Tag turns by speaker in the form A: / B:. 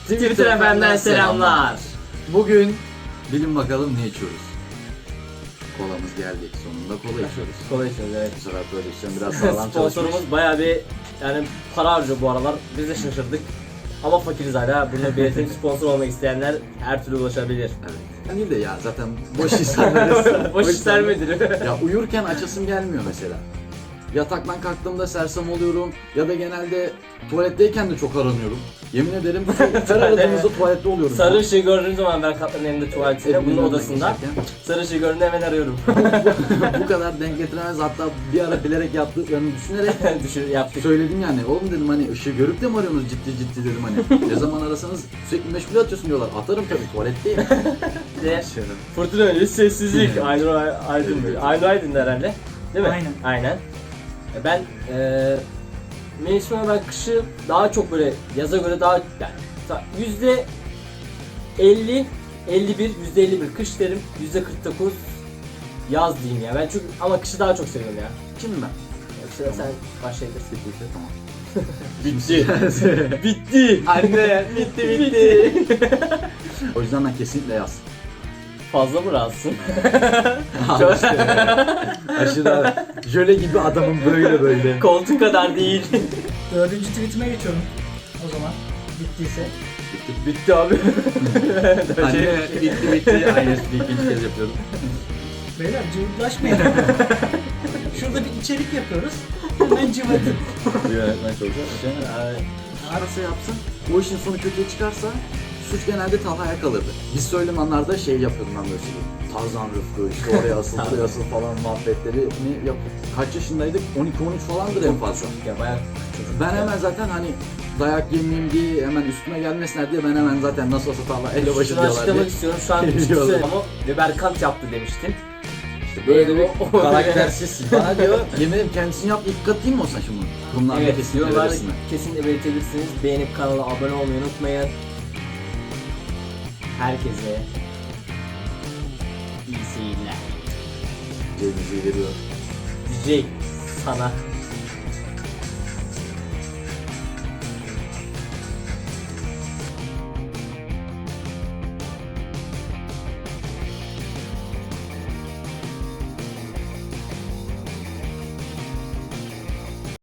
A: Twitter FM'den selamlar.
B: Bugün bilin bakalım ne içiyoruz? Kolamız geldi. Sonunda kola içiyoruz.
A: Kola içiyoruz, evet.
B: Bu sefer prodüksiyon biraz sağlam çalışmış.
A: Sponsorumuz bayağı bir para harcıyor bu aralar. Biz de şaşırdık. Ama fakiriz hala. Bunu belirtelim, sponsor olmak isteyenler her türlü ulaşabilir.
B: Evet. Değil de ya zaten boş insanlarız.
A: Boş işler midir?
B: Ya uyurken açasım gelmiyor mesela. Yataktan kalktığımda sersem oluyorum ya da genelde tuvaletteyken de çok aranıyorum. Yemin ederim her aradığımızda tuvalette oluyorum.
A: Sarı ışığı gördüğüm zaman ben kaptanın elinde tuvaletinde, bunun
B: Evimin
A: odasında.
B: geçerken.
A: Sarı ışığı gördüğümde hemen arıyorum.
B: Bu kadar denk getiremez, hatta bir ara bilerek yaptıklarını düşünerek
A: Yaptık.
B: söyledim yani. Oğlum dedim, hani ışığı görüp de mi arıyorsunuz ciddi dedim hani. Ne zaman arasanız sürekli meşgul atıyorsun diyorlar. Atarım tabii, tuvaletteyim.
A: Ve fırtına öncesi sessizlik. Aynur Aydın.
B: Evet.
A: Aynur Aydın herhalde. Değil mi?
C: Aynen.
A: Aynen. Ben mevsimine, ben kışı daha çok böyle yaza göre daha yani %50, 51, %51 kış derim, %49 yaz diyeyim ya. Ben çünkü ama kışı daha çok seviyorum ya.
B: Kim ben?
A: Sıra sen başlayabilirsin.
B: Bitti, tamam.
A: Bitti. Bitti. Anne, bitti.
B: O yüzden ben kesinlikle yaz.
A: Fazla mı rahatsın?
B: Abi işte, aşırı jöle gibi adamım, böyle.
A: Koltuk kadar değil.
C: Dördüncü tweetime geçiyorum o zaman. Bittiyse.
A: Bitti abi.
B: Anne bitti. Aynı espriyi ikinci kez yapıyorum.
C: Beyler cıvıklaşmayın. Şurada bir içerik yapıyoruz. Hemen cıvıdın.
B: Yönetmen çok güzel. Arası yapsın. O işin sonu kötüye çıkarsa suç genelde Talha'ya kalırdı. Biz söylem anlarda şey yapıyordum ben böyle şey. Tarzan Rıfkı işte oraya asıl buraya asıl falan muhabbetlerini yapıyorduk. Kaç yaşındaydık? 12-13 falandır en fazla.
A: Ya bayağı çocuk.
B: Ben hemen zaten hani dayak yemeyeyim diye hemen üstüme gelmesinler diye ben hemen zaten nasıl olsa Talha ele başı
A: Şunu
B: diyorlar
A: açıklamak
B: diye.
A: istiyorum. Şu an
B: Diyorlar.
A: ama Berkant yaptı demiştin.
B: İşte böyle bir
A: O-
B: karaktersiz. Bana diyor yemin ederim kendisini yap, ilk katayım mı olsa şimdi? Bunlar
A: Evet,
B: kesin
A: yorumlarda
B: arasında.
A: kesinlikle belirtebilirsiniz. Beğenip kanala abone olmayı unutmayın. Herkese iyi seyirler.
B: Cemiz'i veriyor.
A: DJ sana.